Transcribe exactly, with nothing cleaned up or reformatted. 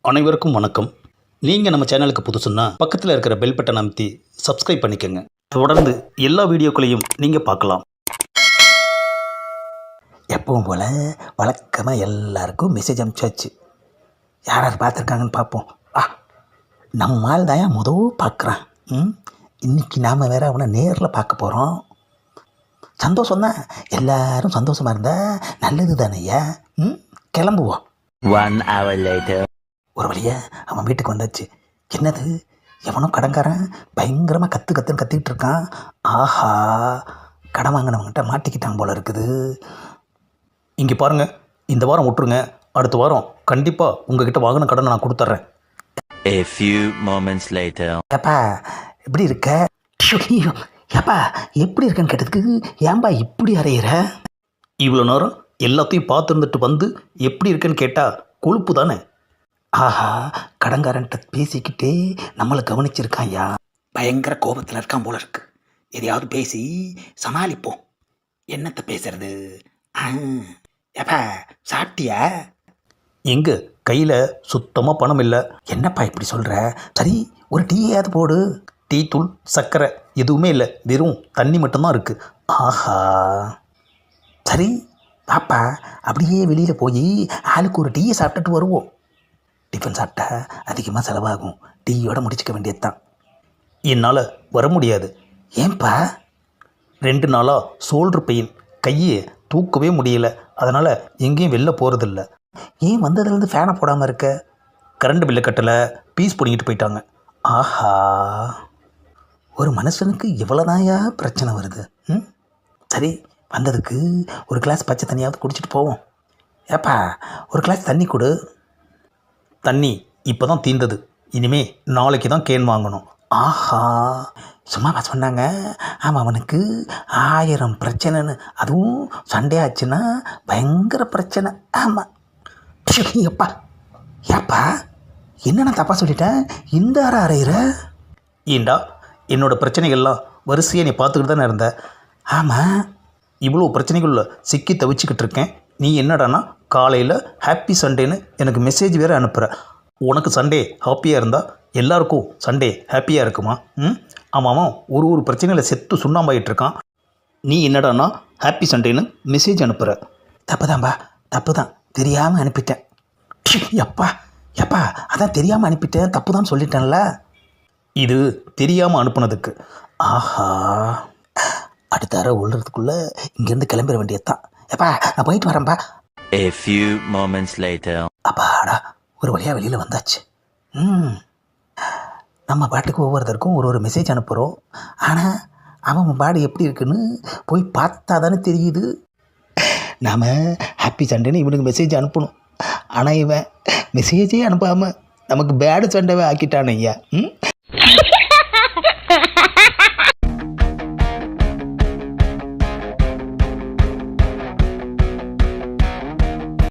அனைவருக்கும் வணக்கம். நீங்கள் நம்ம சேனலுக்கு புதுசுன்னா பக்கத்தில் இருக்கிற பெல் பட்டன் அமைத்தி சப்ஸ்கிரைப் பண்ணிக்கோங்க. தொடர்ந்து எல்லா வீடியோக்களையும் நீங்கள் பார்க்கலாம். எப்பவும் போல் வழக்கமாக எல்லாருக்கும் மெசேஜ் அனுப்பிச்சாச்சு. யார் யார் பார்த்துருக்காங்கன்னு பார்ப்போம். ஆ நம்மால் தான் ஏன் முதல் பார்க்குறான். ம் இன்றைக்கி நாம் வேறு அவனை நேரில் பார்க்க போகிறோம். சந்தோஷம்தான், எல்லோரும் சந்தோஷமாக இருந்தால் நல்லது தானேய்யா. ம் கிளம்புவோம். One hour later. ஒரு வழியாக அவன் வீட்டுக்கு வந்தாச்சு. என்னது, எவனோ கடன்காரன் பயங்கரமாக கற்று கற்றுன்னு கத்திக்கிட்டு இருக்கான். ஆஹா, கடன் வாங்கினவங்கிட்ட மாட்டிக்கிட்டான் போல இருக்குது. இங்கே பாருங்கள், இந்த வாரம் விட்டுருங்க, அடுத்த வாரம் கண்டிப்பாக உங்ககிட்ட வாங்கின கடனை நான் கொடுத்துட்றேன். A few moments later. ஏப்பா எப்படி இருக்க? ஐயோ, ஏப்பா எப்படி இருக்கேன்னு கேட்டதுக்கு ஏன்பா இப்படி அறையிற? இவ்வளோ நேரம் எல்லாத்தையும் பார்த்துருந்துட்டு வந்து எப்படி இருக்கேன்னு கேட்டால் கொழுப்பு தானே. ஆஹா, கடன்காரன்ட்ட பேசிக்கிட்டே நம்மளை கவனிச்சிருக்கான்யா. பயங்கர கோபத்தில் இருக்கான் போல இருக்கு. எதையாவது பேசி சமாளிப்போம். என்னத்தை பேசுறது? ஆ ஏப்பா சாப்பிட்டியா? எங்கே கையில் சுத்தமாக பணம் இல்லை. என்னப்பா இப்படி சொல்கிற? சரி, ஒரு டீயாவது போடு. டீ தூள் சர்க்கரை எதுவுமே இல்லை, வெறும் தண்ணி மட்டும்தான் இருக்குது. ஆஹா, சரி பாப்பா, அப்படியே வெளியில் போய் ஆளுக்கு ஒரு டீயை சாப்பிட்டுட்டு வருவோம். டிஃபன் சாப்பிட்டா அதிகமாக செலவாகும், டீயோட முடிச்சுக்க வேண்டியது தான். என்னால் வர முடியாது. ஏன்பா? ரெண்டு நாளாக ஷோல்டர் பெயின், கையை தூக்கவே முடியல. அதனால் எங்கேயும் வெளில போகிறதில்ல. ஏன் வந்ததுலேருந்து ஃபேனை போடாமல் இருக்க? கரண்ட் பில்லை கட்டலை, பீஸ் பிடிங்கிட்டு போயிட்டாங்க. ஆஹா, ஒரு மனுஷனுக்கு இவ்வளோதாயா பிரச்சனை வருது. ம் சரி, வந்ததுக்கு ஒரு கிளாஸ் பச்சை தண்ணியாவது குடிச்சிட்டு போவோம். ஏப்பா ஒரு கிளாஸ் தண்ணி கொடு. தண்ணி இப்போ தான் தீர்ந்தது, இனிமே நாளைக்கு தான் கேன் வாங்கணும். ஆஹா, சும்மாவா சொன்னாங்க? ஆமாம், அவனுக்கு ஆயிரம் பிரச்சனைன்னு. அதுவும் சண்டே ஆச்சுன்னா பயங்கர பிரச்சனை. ஆமாம். எப்பா ஏப்பா, என்ன நான் தப்பாக சொல்லிட்டேன்? இந்த அற அறையிற? ஏண்டா, என்னோடய பிரச்சனைகள்லாம் வரிசையாக நீ பார்த்துக்கிட்டு தானே இருந்த. ஆமாம். இவ்வளோ பிரச்சனைகளில் சிக்கி தவிச்சிக்கிட்டு இருக்கேன். நீ என்னடானா காலையில் ஹாப்பி சண்டேன்னு எனக்கு மெசேஜ் வேறு அனுப்புகிற. உனக்கு சண்டே ஹாப்பியாக இருந்தால் எல்லாருக்கும் சண்டே ஹாப்பியாக இருக்குமா? ம் ஆமாம், ஒரு ஒரு பிரச்சனையில் செத்து சுண்ணாம்பாயிட்டு இருக்கான். நீ என்னடானா ஹாப்பி சண்டேன்னு மெசேஜ் அனுப்புகிற. தப்பு தான்பா, தப்பு தான், தெரியாமல் அனுப்பிட்டேன். எப்பா எப்பா அதான் தெரியாமல் அனுப்பிட்டேன், தப்பு தான் சொல்லிட்டேன்ல. இது தெரியாமல் அனுப்புனதுக்கு. ஆஹா, அடுத்த அறை உள்ளதுக்குள்ளே இங்கேருந்து கிளம்பிட வேண்டியது தான். எப்பா நான் போயிட்டு வரேன்ப்பா. A few moments later. அப்பாடா, ஒரு வழியாக வெளியில் வந்தாச்சு. ம் நம்ம பாட்டுக்கு ஒவ்வொருத்தருக்கும் ஒரு ஒரு மெசேஜ் அனுப்புகிறோம். ஆனால் அவன் பாடு எப்படி இருக்குன்னு போய் பார்த்தா தானே தெரியுது. நாம் ஹாப்பி சண்டேன்னு இவனுக்கு மெசேஜ் அனுப்பணும். ஆனால் இவன் மெசேஜே அனுப்பாமல் நமக்கு பேடு சண்டேவே ஆக்கிட்டான் ஐயா. ம்